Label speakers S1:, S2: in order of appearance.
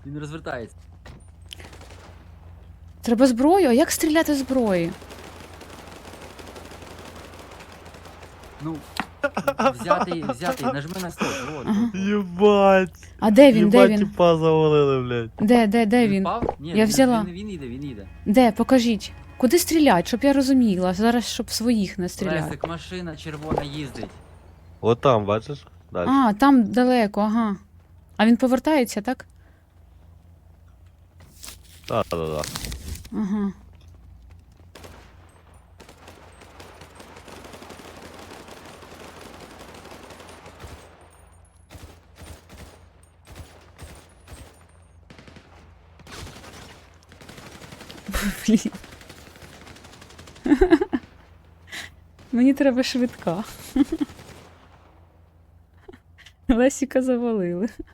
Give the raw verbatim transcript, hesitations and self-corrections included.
S1: Він розвертається.
S2: Треба зброю? А як стріляти зброї?
S1: Ну, взятий, взятий, нажми на стоп. Вот,
S2: Ага.
S1: вот, вот.
S3: Єбать.
S2: А де він, де
S3: Єбать,
S2: він?
S3: тіпа завалили, блядь.
S2: Де, де, де він?
S1: Впав? Ні,
S2: Я
S1: він,
S2: взяла.
S1: Він, він їде, він їде.
S2: Де? Покажіть. Куди стрілять, щоб я розуміла. Зараз, щоб своїх не стріляти.
S1: Лесик, машина червона їздить.
S3: От там, бачиш? Далі.
S2: А, там далеко, ага. А він повертається, так?
S3: Так, так, так.
S2: Ага. Блін. Мені треба швидка. Лесіка завалили.